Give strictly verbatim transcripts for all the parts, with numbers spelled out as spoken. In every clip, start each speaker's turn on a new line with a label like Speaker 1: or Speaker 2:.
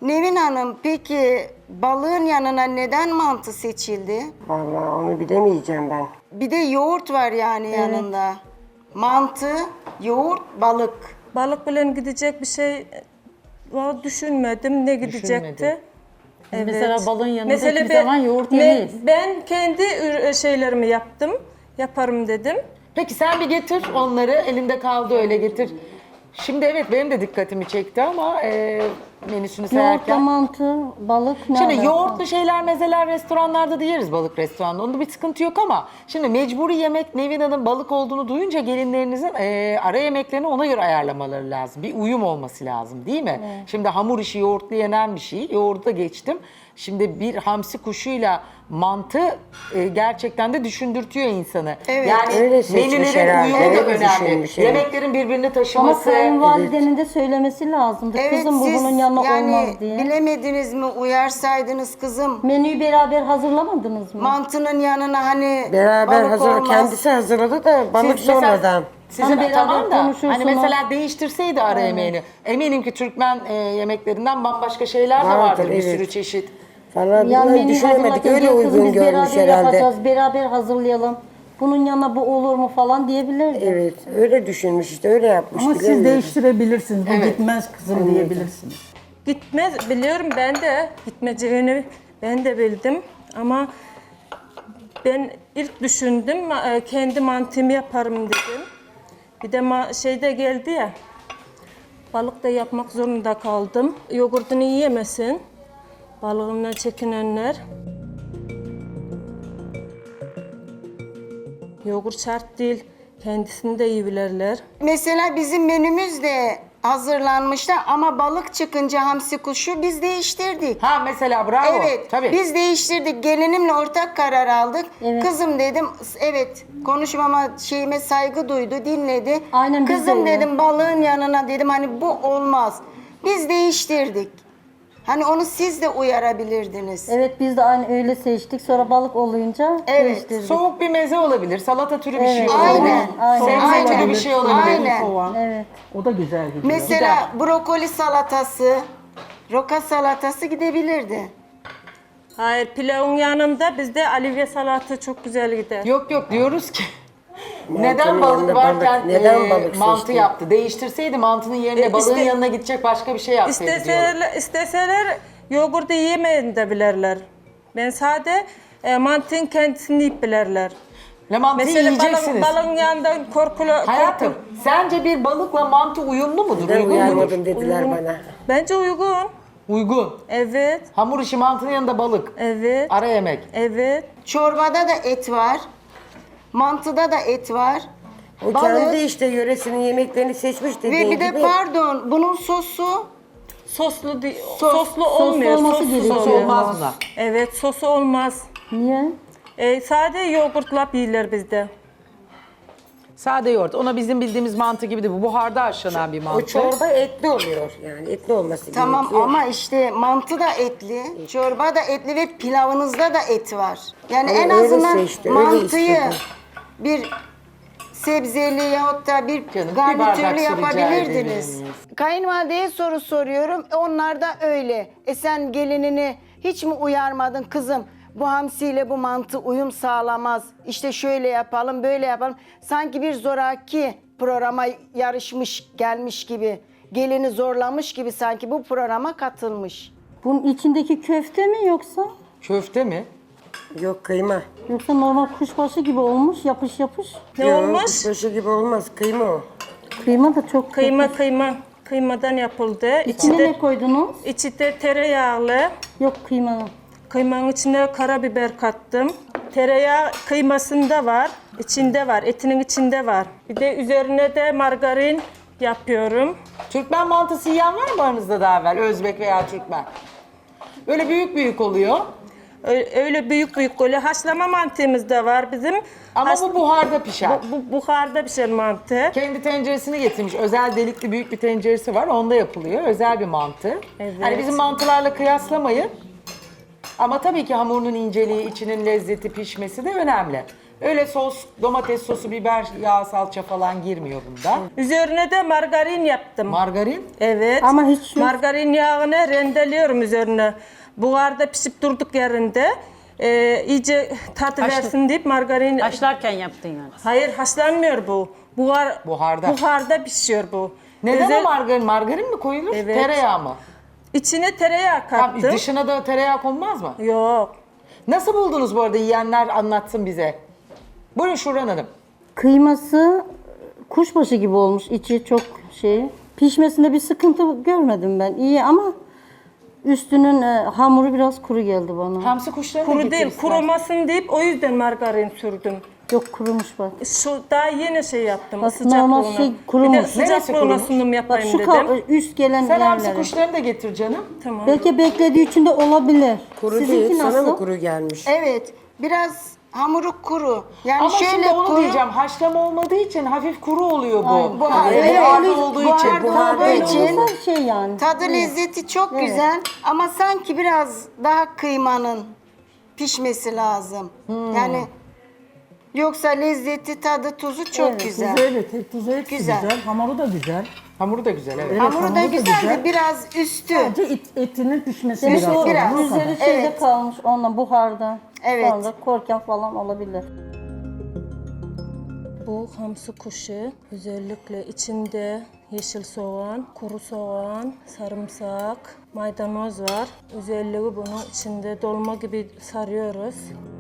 Speaker 1: Nevin Hanım, peki balığın yanına neden mantı seçildi?
Speaker 2: Vallahi onu bilemeyeceğim ben.
Speaker 1: Bir de yoğurt var yani yanında. Mantı, yoğurt, balık.
Speaker 3: Balık bilen gidecek bir şey var düşünmedim. Ne gidecekti? Evet.
Speaker 4: Mesela balığın yanında
Speaker 3: Mesela
Speaker 4: hiçbir
Speaker 3: ben-
Speaker 4: zaman yoğurt
Speaker 3: ben-
Speaker 4: yemeyiz.
Speaker 3: Ben kendi ür- şeylerimi yaptım. Yaparım dedim.
Speaker 5: Peki sen bir getir onları. Elinde kaldı öyle getir. Şimdi evet benim de dikkatimi çekti ama e, menüsünü
Speaker 6: Yoğurtla
Speaker 5: sayarken.
Speaker 6: mantı, balık ne
Speaker 5: Şimdi
Speaker 6: alaka?
Speaker 5: yoğurtlu şeyler, mezeler restoranlarda da yeriz, balık restoranında. Onda bir sıkıntı yok ama şimdi mecburi yemek Nevin Hanım balık olduğunu duyunca gelinlerinizin e, ara yemeklerini ona göre ayarlamaları lazım. Bir uyum olması lazım değil mi? Şimdi hamur işi yoğurtlu yenen bir şey. Yoğurda geçtim. Şimdi bir hamsi kuşuyla mantı e, gerçekten de düşündürtüyor insanı.
Speaker 1: Evet.
Speaker 5: Yani
Speaker 2: Öyle seçmiş
Speaker 5: menülerin
Speaker 2: herhalde,
Speaker 5: uyumu da
Speaker 2: öyle
Speaker 5: önemli.
Speaker 2: düşünmüş, evet.
Speaker 5: Yemeklerin birbirini
Speaker 6: Ama
Speaker 5: taşıması.
Speaker 6: kayınvalidenin de söylemesi lazımdı.
Speaker 1: Evet,
Speaker 6: Kızım bu
Speaker 1: siz
Speaker 6: bunun yanına
Speaker 1: yani
Speaker 6: olmaz diye.
Speaker 1: bilemediniz mi, uyarsaydınız kızım.
Speaker 6: Menüyü beraber hazırlamadınız mı?
Speaker 1: Mantının yanına hani
Speaker 2: Beraber
Speaker 1: balık
Speaker 2: hazır,
Speaker 1: olmaz.
Speaker 2: kendisi hazırladı da balık
Speaker 5: Siz mesela-
Speaker 2: sonradan.
Speaker 5: Sizin
Speaker 6: Hani beraber
Speaker 5: tamam da
Speaker 6: konuşursunuz.
Speaker 5: hani mesela değiştirseydi ara yemeğini. Eminim ki Türkmen e, yemeklerinden bambaşka şeyler de
Speaker 2: Vardır,
Speaker 5: vardır, bir
Speaker 2: evet.
Speaker 5: sürü çeşit.
Speaker 2: Falan
Speaker 6: Yani
Speaker 2: bilmiyorum,
Speaker 6: menüyü
Speaker 2: düşünemedik.
Speaker 6: hazırlarken
Speaker 2: Öyle
Speaker 6: gel kızım
Speaker 2: uygun
Speaker 6: biz
Speaker 2: görmüş
Speaker 6: beraber
Speaker 2: herhalde.
Speaker 6: yapacağız, beraber hazırlayalım. Bunun yanına bu olur mu falan diyebilirdi.
Speaker 2: Evet, öyle düşünmüş işte, öyle yapmış.
Speaker 7: Ama siz
Speaker 2: bilemiyorum.
Speaker 7: değiştirebilirsiniz. Bu
Speaker 5: Evet.
Speaker 7: gitmez kızım diyebilirsiniz.
Speaker 3: Gitmez biliyorum ben de gitmeyeceğini ben de bildim ama ben ilk düşündüm ma- e, kendi mantığımı yaparım dedim. Bir de ma- şeyde geldi ya balık da yapmak zorunda kaldım. Yoğurdunu yiyemesin. Balığından çekinenler. Yoğurt şart değil. Kendisini de yiyebilirler.
Speaker 1: Mesela bizim menümüz de hazırlanmıştı ama balık çıkınca hamsi kuşu biz değiştirdik.
Speaker 5: Ha mesela bravo.
Speaker 1: Evet,
Speaker 5: Tabii.
Speaker 1: biz değiştirdik. Gelinimle ortak karar aldık.
Speaker 6: Evet.
Speaker 1: Kızım dedim, evet konuşmama şeyime saygı duydu, dinledi.
Speaker 6: Aynen, biz de
Speaker 1: Kızım
Speaker 6: öyle.
Speaker 1: dedim balığın yanına dedim hani bu olmaz. Biz değiştirdik. Hani onu siz de uyarabilirdiniz.
Speaker 6: Evet biz de aynı öyle seçtik. Sonra balık olunca
Speaker 1: Evet,
Speaker 6: değiştirdik.
Speaker 5: Soğuk bir meze olabilir, salata türü bir şey
Speaker 6: Evet.
Speaker 5: olabilir.
Speaker 1: Aynen,
Speaker 6: aynen.
Speaker 5: Sebze
Speaker 1: Aynen.
Speaker 5: türü bir şey olabilir.
Speaker 1: Aynen.
Speaker 7: Soğan.
Speaker 6: Evet.
Speaker 7: O da güzel gidiyor.
Speaker 1: Mesela brokoli salatası, roka salatası gidebilirdi.
Speaker 3: Hayır pilavın yanında bizde alivye salatı çok güzel gider.
Speaker 5: Yok yok diyoruz ki neden
Speaker 2: Mantının
Speaker 5: balık
Speaker 2: yanında
Speaker 5: varken
Speaker 2: balık, neden
Speaker 5: e,
Speaker 2: balık
Speaker 5: mantı
Speaker 2: seçti?
Speaker 5: yaptı? Değiştirseydi mantının yerine
Speaker 3: E,
Speaker 5: balığın
Speaker 3: iste-
Speaker 5: yanına gidecek başka bir şey yapsaydı diyorum.
Speaker 3: İsteseler, isteseler yoğurdu yemeyin de bilirler. Ben sade e, mantığın kendisini yiyip bilirler.
Speaker 5: Le mantıyı
Speaker 3: Mesela
Speaker 5: yiyeceksiniz.
Speaker 3: balın, balın yanında korkulu...
Speaker 5: Hayatım
Speaker 3: korkulu-
Speaker 5: sence bir balıkla mantı uyumlu mudur?
Speaker 2: Ben
Speaker 5: Uygun mudur?
Speaker 2: uyarmadım dediler bana.
Speaker 3: Bence uygun.
Speaker 5: Uygun.
Speaker 3: Evet,
Speaker 5: Hamur işi mantının yanında balık.
Speaker 3: evet,
Speaker 5: Ara yemek.
Speaker 3: evet.
Speaker 1: Çorbada da et var. Mantıda da et var.
Speaker 2: O
Speaker 1: Balık.
Speaker 2: kendi işte yöresinin yemeklerini seçmiş dediğin
Speaker 1: Ve bir de
Speaker 2: gibi.
Speaker 1: pardon bunun sosu
Speaker 3: Soslu di-
Speaker 1: Sos-
Speaker 3: soslu olmuyor.
Speaker 6: olması
Speaker 3: sossuz
Speaker 6: gerekiyor.
Speaker 5: Sos
Speaker 3: oluyor.
Speaker 5: olmaz buna.
Speaker 3: Evet, sosu olmaz.
Speaker 6: Niye?
Speaker 3: E, sade yoğurtla yiyorlar bizde.
Speaker 5: Sade yoğurt. Ona bizim bildiğimiz mantı gibi değil. Bu buharda haşlanan bir
Speaker 2: O
Speaker 5: mantı.
Speaker 2: çorba etli oluyor yani, etli olması
Speaker 1: tamam
Speaker 2: gerekiyor.
Speaker 1: ama işte mantı da etli, çorba da etli ve pilavınızda da et var. Yani
Speaker 2: Ama
Speaker 1: en
Speaker 2: öyle
Speaker 1: azından
Speaker 2: seçti, öyle
Speaker 1: mantıyı
Speaker 2: istedi.
Speaker 1: bir sebzeli yahut da bir
Speaker 5: Canım, bir bardak
Speaker 1: garnitürlü
Speaker 5: su rica
Speaker 1: yapabilirdiniz.
Speaker 5: ederiz.
Speaker 1: Kayınvalideye soru soruyorum. E, onlar da öyle. E sen gelinini hiç mi uyarmadın kızım? Bu hamsiyle bu mantı uyum sağlamaz. İşte şöyle yapalım, böyle yapalım. Sanki bir zoraki programa yarışmış, gelmiş gibi. Gelini zorlamış gibi sanki bu programa katılmış.
Speaker 6: Bunun içindeki köfte mi yoksa?
Speaker 5: Köfte mi?
Speaker 2: Yok kıyma.
Speaker 6: Yoksa normal kuşbaşı gibi olmuş, yapış yapış.
Speaker 3: Ne
Speaker 2: Yok,
Speaker 3: olmuş?
Speaker 2: kuşbaşı gibi olmaz, kıyma o.
Speaker 6: Kıyma da çok
Speaker 3: Kıyma
Speaker 6: kötü.
Speaker 3: kıyma. Kıymadan yapıldı.
Speaker 6: İçine
Speaker 3: İçinde,
Speaker 6: ne koydunuz?
Speaker 3: içi de tereyağlı.
Speaker 6: Yok kıyma.
Speaker 3: Kıymanın içine karabiber kattım. Tereyağı kıymasında var, içinde var, etinin içinde var. Bir de üzerine de margarin yapıyorum.
Speaker 5: Türkmen mantısı yiyen var mı aranızda daha evvel? Özbek veya Türkmen. Böyle büyük büyük oluyor.
Speaker 3: Ö- Öyle büyük büyük böyle haşlama mantığımız da var bizim.
Speaker 5: Ama
Speaker 3: Haş-
Speaker 5: bu buharda pişer.
Speaker 3: bu, bu buharda pişen mantı.
Speaker 5: Kendi tenceresini getirmiş. Özel delikli büyük bir tenceresi var. Onda yapılıyor. Özel bir mantı.
Speaker 3: Evet.
Speaker 5: Hani bizim mantılarla kıyaslamayın. Ama tabii ki hamurunun inceliği, içinin lezzeti, pişmesi de önemli. Öyle sos, domates sosu, biber, yağ, salça falan girmiyor bunda.
Speaker 3: Üzerine de margarin yaptım.
Speaker 5: Margarin.
Speaker 3: Evet.
Speaker 6: Ama hiç yok.
Speaker 3: Margarin yağını rendeliyorum üzerine. Buharda pişip durduk yerinde. Ee, iyice tat
Speaker 4: Haşlı-
Speaker 3: versin deyip margarin...
Speaker 4: Haşlarken yaptın yani.
Speaker 3: Hayır, haşlanmıyor bu. Buhar,
Speaker 5: Buharda.
Speaker 3: Buharda pişiyor bu.
Speaker 5: Neden
Speaker 3: Özel-
Speaker 5: o margarin? Margarin mi koyulur?
Speaker 3: Evet.
Speaker 5: Tereyağı mı?
Speaker 3: İçine tereyağı
Speaker 5: Tam
Speaker 3: kattım.
Speaker 5: dışına da tereyağı konmaz mı?
Speaker 3: Yok.
Speaker 5: Nasıl buldunuz bu arada, yiyenler anlatsın bize. Buyurun Şuran Hanım.
Speaker 6: Kıyması kuşbaşı gibi olmuş. İçi çok şey. Pişmesinde bir sıkıntı görmedim ben. İyi ama üstünün e, hamuru biraz kuru geldi bana.
Speaker 5: Hamsi kuşlarını
Speaker 3: Kuru
Speaker 5: getir
Speaker 3: değil,
Speaker 5: istersen.
Speaker 3: kurumasın deyip o yüzden margarin sürdüm.
Speaker 6: Yok kurumuş bak.
Speaker 3: Şu daha yeni şey yaptım,
Speaker 6: Bak,
Speaker 3: sıcaklığına.
Speaker 6: normal şey kurumuş.
Speaker 3: Bir de
Speaker 5: Neresi
Speaker 3: sıcaklığına
Speaker 5: kurumuş?
Speaker 3: sunum
Speaker 6: Bak
Speaker 3: yapayım
Speaker 6: şu
Speaker 3: dedim.
Speaker 6: kal- üst gelen
Speaker 5: Sen hamsi
Speaker 6: yerleri.
Speaker 5: kuşlarını da getir canım.
Speaker 3: Tamam.
Speaker 6: Belki beklediği için de olabilir.
Speaker 2: Kuru
Speaker 6: Sizinki
Speaker 2: değil, sana
Speaker 6: nasıl?
Speaker 2: mı kuru gelmiş?
Speaker 1: Evet, biraz hamuru kuru. Yani
Speaker 5: Ama
Speaker 1: şöyle
Speaker 5: şimdi onu
Speaker 1: kuru.
Speaker 5: diyeceğim, haşlama olmadığı için hafif kuru oluyor bu.
Speaker 6: Aynen.
Speaker 1: Bu-
Speaker 5: Hani
Speaker 1: evet,
Speaker 5: buharda
Speaker 1: evet,
Speaker 5: olduğu
Speaker 1: buharda
Speaker 5: için.
Speaker 1: olduğu
Speaker 6: Böyle
Speaker 1: için
Speaker 6: olursa şey yani.
Speaker 1: tadı lezzeti çok
Speaker 6: Evet.
Speaker 1: güzel ama sanki biraz daha kıymanın pişmesi lazım.
Speaker 6: Hmm.
Speaker 1: Yani yoksa lezzeti, tadı, tuzu çok
Speaker 6: Evet,
Speaker 1: güzel.
Speaker 7: Tuzu evet, hep tuzu hepsi
Speaker 1: Güzel.
Speaker 7: güzel. Hamuru da güzel.
Speaker 5: Hamuru da güzel, evet.
Speaker 7: Evet,
Speaker 1: Hamuru da
Speaker 7: hamuru da
Speaker 1: güzel de
Speaker 7: güzel.
Speaker 1: biraz üstü.
Speaker 7: Sadece et- etinin pişmesi
Speaker 6: Demek
Speaker 7: biraz.
Speaker 6: o
Speaker 1: biraz.
Speaker 7: sorun, o kadar.
Speaker 6: üzeri şeyde
Speaker 1: Evet.
Speaker 6: kalmış onunla buharda.
Speaker 1: Evet.
Speaker 6: Sonra korken falan olabilir.
Speaker 3: Bu hamsi kuşu özellikle içinde yeşil soğan, kuru soğan, sarımsak, maydanoz var. Özelliği bunu içinde dolma gibi sarıyoruz.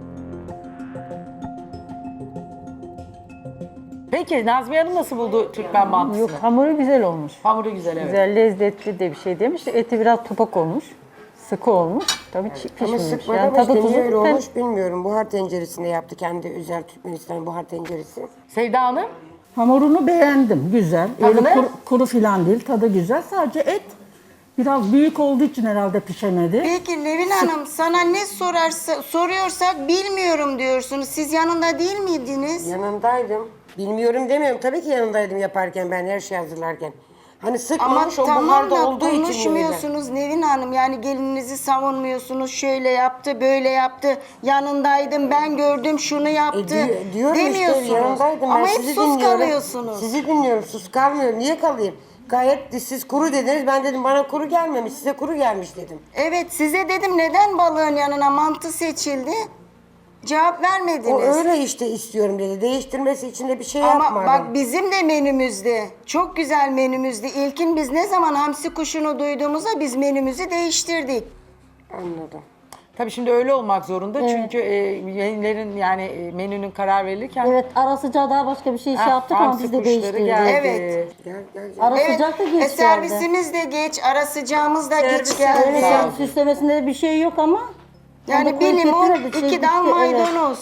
Speaker 5: Peki Nazmiye Hanım nasıl buldu Türkmen mantısını?
Speaker 8: Yok, hamuru güzel olmuş.
Speaker 5: Hamuru güzel, evet.
Speaker 8: Güzel, lezzetli de bir şey demiş. Eti biraz topak olmuş. Sıkı olmuş. Tabii çi-
Speaker 2: Ama
Speaker 8: pişmemiş.
Speaker 2: sıkmadı
Speaker 8: Yani
Speaker 2: ama
Speaker 8: tadı
Speaker 2: işte
Speaker 8: tuzu
Speaker 2: niye öyle
Speaker 8: ben-
Speaker 2: olmuş bilmiyorum. Buhar tenceresinde yaptı kendi özel Türkmenistan buhar tenceresi.
Speaker 5: Sevda Hanım?
Speaker 7: Hamurunu beğendim, güzel.
Speaker 5: Tadı
Speaker 7: Öyle
Speaker 5: ne?
Speaker 7: kuru, kuru filan değil, tadı güzel. Sadece et biraz büyük olduğu için herhalde pişemedi.
Speaker 1: Peki Levin Hanım, sana ne sorarsa soruyorsak bilmiyorum diyorsunuz. Siz yanında değil miydiniz?
Speaker 2: Yanındaydım. Bilmiyorum demiyorum. Tabii ki yanındaydım yaparken ben her şeyi hazırlarken. Hani
Speaker 1: Ama
Speaker 2: sıkmamış o
Speaker 1: tamam
Speaker 2: buharda
Speaker 1: da
Speaker 2: olduğu için böyle.
Speaker 1: konuşmuyorsunuz Nevin Hanım. Yani gelininizi savunmuyorsunuz. Şöyle yaptı, böyle yaptı. Yanındaydım, ben gördüm, şunu
Speaker 2: E,
Speaker 1: yaptı.
Speaker 2: di- diyorum
Speaker 1: demiyorsunuz.
Speaker 2: işte yanındaydım.
Speaker 1: Ama
Speaker 2: ben
Speaker 1: hep
Speaker 2: sizi
Speaker 1: sus
Speaker 2: dinliyorum.
Speaker 1: kalıyorsunuz.
Speaker 2: Sizi dinliyorum. Sus kalmıyorum. Niye kalayım? Gayet de siz kuru dediniz. Ben dedim bana kuru gelmemiş. Size kuru gelmiş dedim.
Speaker 1: Evet, size dedim neden balığın yanına mantı seçildi? Cevap vermediniz.
Speaker 2: O öyle işte istiyorum dedi. Değiştirmesi için de bir şey
Speaker 1: Ama
Speaker 2: yapmadım.
Speaker 1: bak bizim de menümüzde, çok güzel menümüzde. İlkin biz ne zaman hamsi kuşunu duyduğumuzda biz menümüzü değiştirdik.
Speaker 2: Anladım.
Speaker 5: Tabii şimdi öyle olmak zorunda çünkü e, menülerin yani e, menünün karar verilirken
Speaker 6: Evet, ara sıcağı daha başka bir şey şey
Speaker 5: Ah,
Speaker 6: yaptık ama
Speaker 5: hamsi
Speaker 6: biz de
Speaker 5: kuşları
Speaker 6: değiştirdik.
Speaker 5: geldi.
Speaker 1: Evet.
Speaker 2: Gel gel gel.
Speaker 6: Ara
Speaker 1: Evet,
Speaker 6: sıcak da geç
Speaker 1: e,
Speaker 6: geldi.
Speaker 1: servisimiz de geç, ara sıcağımız da geç
Speaker 3: Servis-
Speaker 1: geldi.
Speaker 6: Evet,
Speaker 5: Sağ
Speaker 6: yani
Speaker 5: olun.
Speaker 6: süslemesinde de bir şey yok ama.
Speaker 1: Yani
Speaker 6: bu
Speaker 1: bir limon,
Speaker 6: getirmedi, şey
Speaker 1: iki dal
Speaker 6: bitti, evet.
Speaker 1: maydanoz.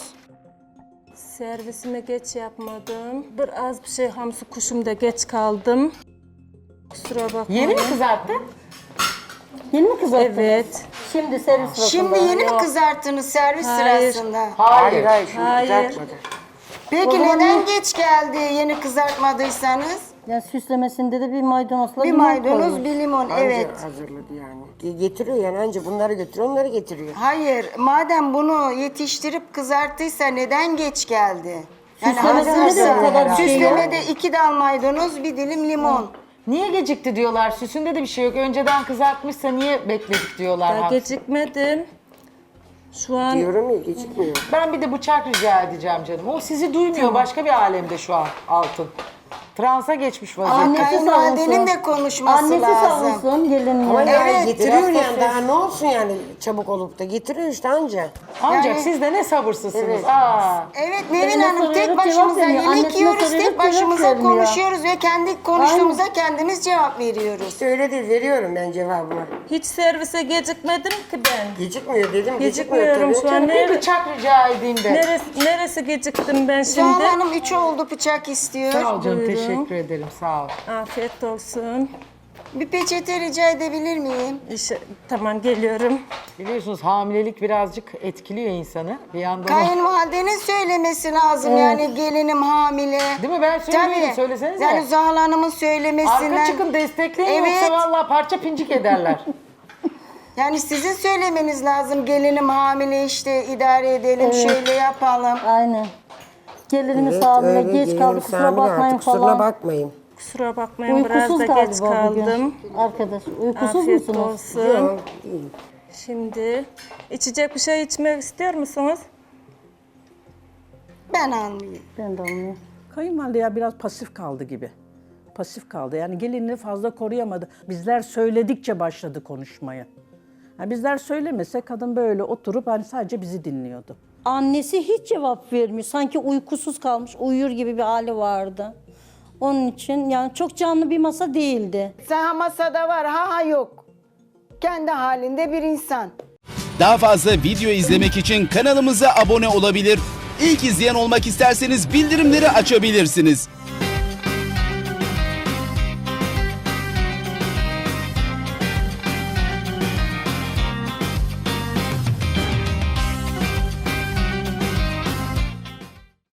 Speaker 3: Servisime geç yapmadım. Biraz bir şey hamsi kuşumda geç kaldım. Kusura bakmayın.
Speaker 5: yeni mi kızarttın?
Speaker 6: Yeni mi kızarttınız?
Speaker 3: Evet.
Speaker 6: Şimdi servis sırasında.
Speaker 1: Şimdi yeni mi kızarttınız servis
Speaker 3: Hayır.
Speaker 1: sırasında?
Speaker 2: Hayır hayır. Şimdi
Speaker 3: Hayır.
Speaker 2: kızartmadı.
Speaker 1: Peki neden geç geldi yeni kızartmadıysanız?
Speaker 6: Yani süslemesinde de bir maydanozla
Speaker 1: Bir
Speaker 6: limon
Speaker 1: maydanoz,
Speaker 6: koymuş.
Speaker 1: bir limon,
Speaker 2: Anca
Speaker 1: evet.
Speaker 2: hazırladı yani. Ge- Getiriyor yani anca bunları götürüyor onları getiriyor.
Speaker 1: Hayır, madem bunu yetiştirip kızarttıysa neden geç geldi? Yani
Speaker 6: Süslemesinde de
Speaker 1: hazırsa,
Speaker 6: o kadar bir şey yok.
Speaker 1: süslemede iki dal maydanoz, bir dilim limon.
Speaker 5: Niye gecikti diyorlar? Süsünde de bir şey yok. Önceden kızartmışsa niye bekledik diyorlar.
Speaker 3: Daha
Speaker 5: Hamsi.
Speaker 3: gecikmedim. Şu an
Speaker 2: Diyorum ya gecikmiyor.
Speaker 5: Ben bir de bıçak rica edeceğim canım. O sizi duymuyor. Başka bir alemde şu an Altın. Transa geçmiş
Speaker 1: Ama
Speaker 5: vaziyette.
Speaker 6: Annesi
Speaker 1: kayınvalidenin
Speaker 6: savunsun.
Speaker 1: de konuşması
Speaker 6: Annesi
Speaker 1: lazım.
Speaker 6: savunsun gelinle.
Speaker 2: Ama yani
Speaker 1: Evet,
Speaker 2: getiriyor
Speaker 5: biraz da
Speaker 2: yani daha ne olsun yani çabuk olup da getiriyor işte anca.
Speaker 5: Ancak
Speaker 1: Yani-
Speaker 5: siz de ne sabırsızsınız.
Speaker 2: Evet.
Speaker 5: Aa.
Speaker 1: Evet Nevin
Speaker 6: Eline
Speaker 1: Hanım tek
Speaker 6: soruyoruz,
Speaker 1: başımıza
Speaker 6: cevap vermiyor.
Speaker 1: yemek
Speaker 6: Annesine
Speaker 1: yiyoruz,
Speaker 6: soruyoruz,
Speaker 1: tek
Speaker 6: cevap
Speaker 1: başımıza
Speaker 6: vermiyor.
Speaker 1: konuşuyoruz ve kendi konuştuğumuza kendimiz cevap veriyoruz.
Speaker 2: İşte öyle değil veriyorum ben cevabımı.
Speaker 3: hiç servise gecikmedim ki ben.
Speaker 2: Gecikmiyor dedim gecikmiyor
Speaker 3: Gecikmiyorum
Speaker 2: tabii.
Speaker 3: şu an.
Speaker 5: Bir
Speaker 3: Nere-
Speaker 5: bıçak rica edeyim de.
Speaker 3: neresi, neresi geciktim ben
Speaker 1: Zuhal
Speaker 3: şimdi?
Speaker 1: Hanım üç oldu bıçak istiyor.
Speaker 5: Sağ ol canım.
Speaker 3: Buyurun.
Speaker 5: Teşekkür ederim. Sağ ol.
Speaker 3: Afiyet olsun.
Speaker 1: Bir peçete rica edebilir miyim?
Speaker 3: İşte, tamam geliyorum.
Speaker 5: Biliyorsunuz hamilelik birazcık etkiliyor insanı. Bir yandan o-
Speaker 1: Kayınvalidenin söylemesi lazım yani gelinim hamile.
Speaker 5: Değil mi? Ben söyleyeyim.
Speaker 1: Tabii.
Speaker 5: Söylesenize.
Speaker 1: Yani Zuhal Hanım'ın söylemesinden.
Speaker 5: Arka çıkın destekleyin
Speaker 1: Evet.
Speaker 5: yoksa vallahi parça pincik ederler.
Speaker 1: Yani sizin söylemeniz lazım gelinim hamile işte idare edelim şöyle yapalım.
Speaker 6: Aynen. Gelinimiz
Speaker 2: Evet,
Speaker 6: abime
Speaker 2: öyle
Speaker 6: geç
Speaker 2: gelinim
Speaker 6: kaldı kusura
Speaker 2: Sami
Speaker 6: bakmayın
Speaker 2: artık, kusuruna
Speaker 6: falan.
Speaker 2: bakmayın.
Speaker 3: Kusura bakmayın biraz
Speaker 6: Uykusuz
Speaker 3: da
Speaker 6: galiba
Speaker 3: geç kaldım.
Speaker 6: bugün. Arkadaş uykusuz
Speaker 3: Afiyet
Speaker 6: musunuz?
Speaker 3: olsun.
Speaker 2: Yok, değil.
Speaker 3: Şimdi içecek bir şey içmek istiyor musunuz?
Speaker 1: Ben almayayım.
Speaker 6: Ben de almıyorum.
Speaker 7: Kayınvalide ya biraz pasif kaldı gibi. Pasif kaldı. Yani gelinini fazla koruyamadı. Bizler söyledikçe başladı konuşmaya. Yani bizler söylemese kadın böyle oturup hani sadece bizi dinliyordu.
Speaker 6: Annesi hiç cevap vermiyor. Sanki uykusuz kalmış, uyur gibi bir hali vardı. Onun için yani çok canlı bir masa değildi.
Speaker 1: Sen ha masada var ha ha yok. Kendi halinde bir insan.
Speaker 4: Daha fazla video izlemek için kanalımıza abone olabilir. İlk izleyen olmak isterseniz bildirimleri açabilirsiniz.